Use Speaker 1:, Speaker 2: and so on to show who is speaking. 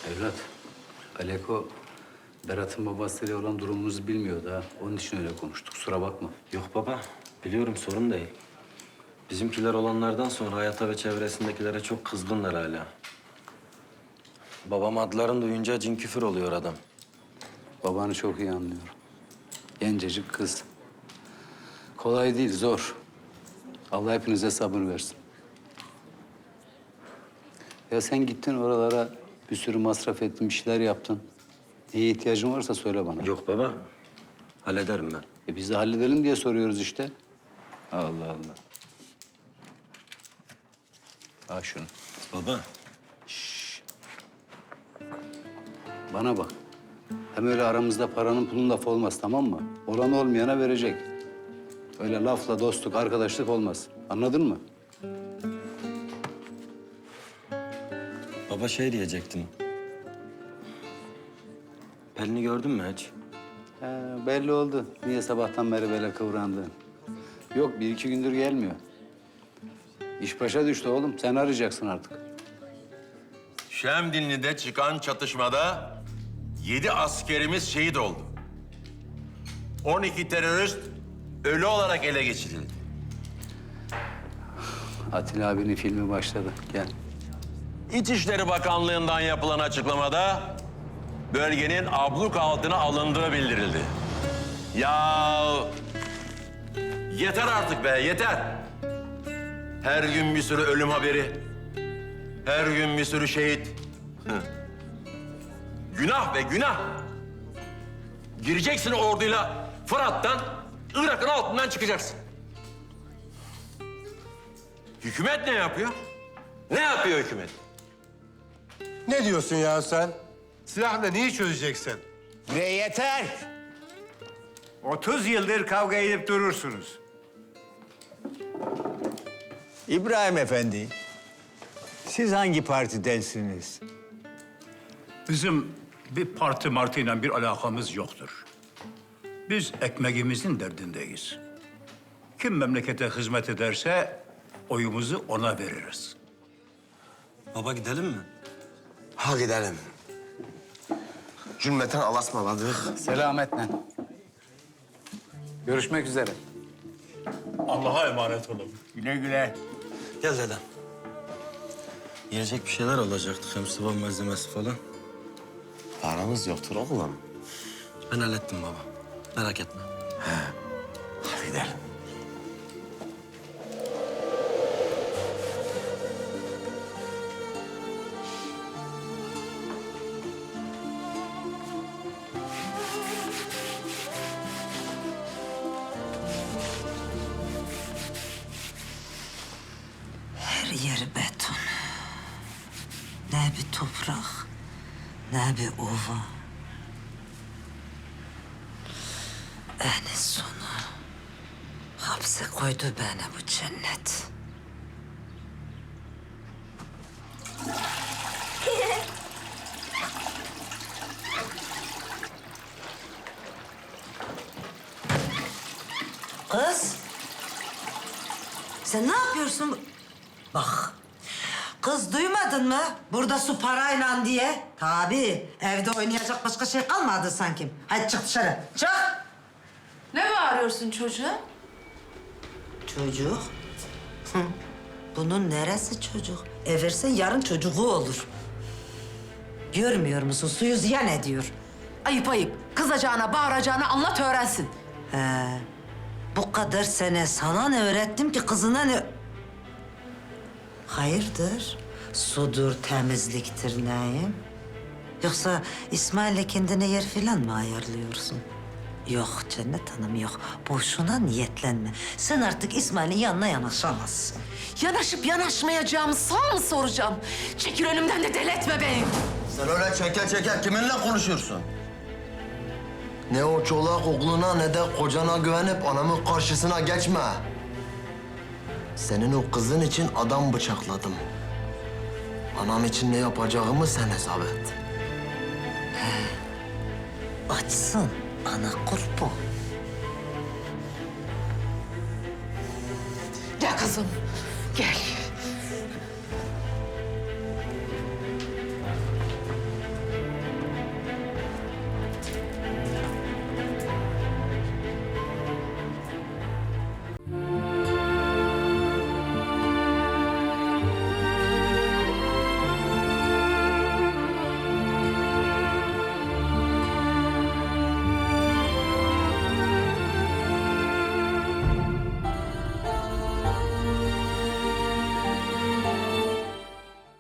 Speaker 1: Evlat, Aleko, Berat'ın babasıyla olan durumumuzu bilmiyordu ha. Onun için öyle konuştuk, kusura bakma.
Speaker 2: Yok baba, biliyorum sorun değil. Bizimkiler olanlardan sonra hayata ve çevresindekilere çok kızgınlar hala. Babam adlarını duyunca cin küfür oluyor adam.
Speaker 1: Babanı çok iyi anlıyorum. Gencecik kız. Kolay değil, zor. Allah hepinize sabır versin. Ya sen gittin oralara, bir sürü masraf ettin, bir şeyler yaptın. Neye ihtiyacın varsa söyle bana.
Speaker 2: Yok baba, hallederim ben.
Speaker 1: Biz de halledelim diye soruyoruz işte. Allah Allah. Al şunu.
Speaker 2: Baba,
Speaker 1: Bana bak. Hem öyle aramızda paranın pulun lafı olmaz, tamam mı? Olan olmayana verecek. Öyle lafla dostluk, arkadaşlık olmaz. Anladın mı?
Speaker 2: baba şey diyecektim. Pelin'i gördün mü hiç?
Speaker 1: Belli oldu. Niye sabahtan beri böyle kıvrandın? Yok, bir iki gündür gelmiyor. İş başa düştü oğlum. Sen arayacaksın artık.
Speaker 3: Şemdinli'de çıkan çatışmada 7 askerimiz şehit oldu. 12 terörist ölü olarak ele geçirildi.
Speaker 1: Atilla abinin filmi başladı. Gel.
Speaker 3: İçişleri Bakanlığı'ndan yapılan açıklamada bölgenin abluk altına alındığı bildirildi. Ya yeter artık be, yeter. Her gün bir sürü ölüm haberi, her gün bir sürü şehit. Günah be, günah. Gireceksin orduyla Fırat'tan, Irak'ın altından çıkacaksın. Hükümet ne yapıyor? Ne yapıyor hükümet?
Speaker 4: Ne diyorsun ya sen? Silahla neyi çözeceksin?
Speaker 5: Ve yeter. 30 yıldır kavga edip durursunuz. İbrahim Efendi, siz hangi partidensiniz?
Speaker 6: Bizim bir parti martıyla bir alakamız yoktur. Biz ekmeğimizin derdindeyiz. Kim memlekete hizmet ederse oyumuzu ona veririz.
Speaker 2: Baba gidelim mi?
Speaker 4: Ha gidelim. Cümleten alasmaladık.
Speaker 1: Selametle. Görüşmek üzere.
Speaker 6: Allah'a emanet olun.
Speaker 5: Güle güle.
Speaker 2: Gel dedem. Yiyecek bir şeyler alacaktık, hem sıvı malzemesi falan.
Speaker 4: Paramız yoktur oğlum.
Speaker 2: Ben hallettim baba, merak etme.
Speaker 4: Hadi gidelim.
Speaker 7: Her yer beton. Ne bir toprak, ne bir ova. En sonu hapse koydu beni bu cennet. Kız, sen ne yapıyorsun? Bak, kız duymadın mı? Burada su parayla diye. Tabii, evde oynayacak başka şey kalmadı sanki. Hadi çık dışarı, çık!
Speaker 8: Ne bağırıyorsun çocuğa?
Speaker 7: Çocuk? Hı. Bunun neresi çocuk? Eversen yarın çocuğu olur. Görmüyor musun? Suyu ziyan ediyor.
Speaker 8: Ayıp ayıp. Kızacağına, bağıracağına anlat öğrensin.
Speaker 7: Bu kadar sene sana ne öğrettim ki kızına ne... Hayırdır? Sudur, temizliktir neyim? Yoksa İsmail'le kendine yer falan mı ayarlıyorsun? Yok Cennet Hanım yok. Boşuna niyetlenme. Sen artık İsmail'in yanına yanaşamazsın.
Speaker 8: Yanaşıp yanaşmayacağımı sana mı soracağım? Çekil önümden de deletme beni.
Speaker 4: Sen öyle çeker çeker kiminle konuşuyorsun? Ne o çolak oğluna ne de kocana güvenip anamın karşısına geçme. Senin o kızın için adam bıçakladım. Anam için ne yapacağımı sen hesap et.
Speaker 7: Açsın ana kurban.
Speaker 8: Gel kızım, gel.